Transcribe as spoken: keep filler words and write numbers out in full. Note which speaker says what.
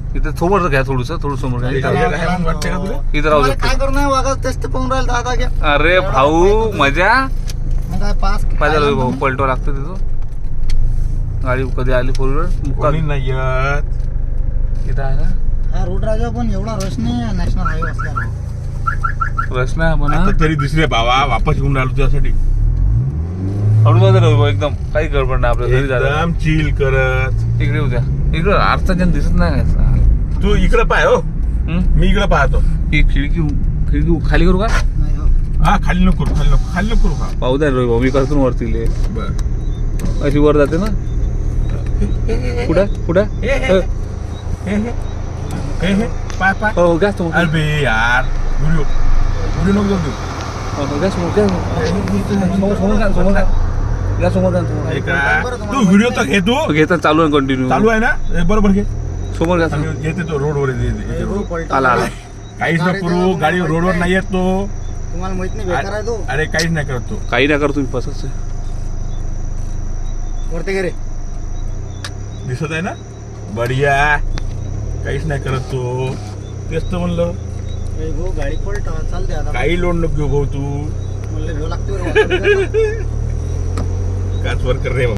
Speaker 1: इथे समोर घ्या थोडस थोडं समोर घ्या.
Speaker 2: इथं
Speaker 1: इथं
Speaker 2: राहू- वाटते का तुला?
Speaker 1: इथं राहू
Speaker 3: मला
Speaker 1: शकतो.
Speaker 3: काय करू नाही वागा तेच तर पाहून राहील दादा घ्या.
Speaker 1: अरे भाऊ मजा
Speaker 3: मग काय पास
Speaker 1: काय झालं भाऊ पलटवा लागतं तिथं. गाडी कधी आली फोर व्हीलर
Speaker 2: कोणी नाही येत.
Speaker 1: इथं आहे ना
Speaker 3: हा रोड राजा पण एवढा रश नाही नॅशनल हायवे असल्यामुळे.
Speaker 1: प्रश्न आहे म्हणा.
Speaker 2: आता तरी दुसरे भावा वापस येऊन राहिलो तुझ्यासाठी.
Speaker 1: हळूच राहू एकदम काही गडबड नाही आपल्या घरी झालं.
Speaker 2: एकदम चिल करत.
Speaker 1: इकडे उद्या इकडं आरचा जण दिसत नाही का?
Speaker 2: तू इकडे पाय हो,
Speaker 1: हं?
Speaker 2: मी इकडे पाहतो.
Speaker 1: ही खिडकी खिडकी खाली करू का?
Speaker 3: नाही हो.
Speaker 2: हा खाली नको करू, खाली नको खाली नको करू. हा
Speaker 1: पाहू द्या रोहित भाऊ मी करतो ना वरती ले.
Speaker 2: बर.
Speaker 1: अशी वर जाते ना. कुठं कुठं
Speaker 2: हे, हे.
Speaker 1: हो,
Speaker 2: हे हे हे हे पाय पाय.
Speaker 1: हो गॅस समोर
Speaker 2: अरे बे यार व्हिडिओ व्हिडिओ नको जाऊ देऊ.
Speaker 1: हो, गॅस समोर गॅस समोर समोर जा समोर जा गॅस समोर जा समोर.
Speaker 2: हे का? तू व्हिडिओ तर घे तू.
Speaker 1: घेता चालू आहे कंटिन्यू
Speaker 2: चालू आहे ना हे बरोबर घे.
Speaker 1: समोर गॅस
Speaker 2: आम्ही येते तो रोडवर येते, येते, येते रोड.
Speaker 3: पलटा.
Speaker 1: आला आला.
Speaker 2: काहीच नको करू, गाडी रोडवर नाही येत तो.
Speaker 3: तुम्हाला माहित नाही बेकार आहे तो.
Speaker 2: अरे काहीच नाही करत तो.
Speaker 1: काही नाही करतो तुम्ही पसच
Speaker 3: वरती घे रे.
Speaker 2: दिसत आहे ना बढिया. काहीच नाही करत तो. तेच तर म्हणलं
Speaker 3: ए भाऊ गाडी पलटा चालते आता.
Speaker 2: काही लोड नको घेऊ भाऊ तू.
Speaker 3: म्हणलं भेव लागते बरं वाटतं.
Speaker 2: काच वर कर रे.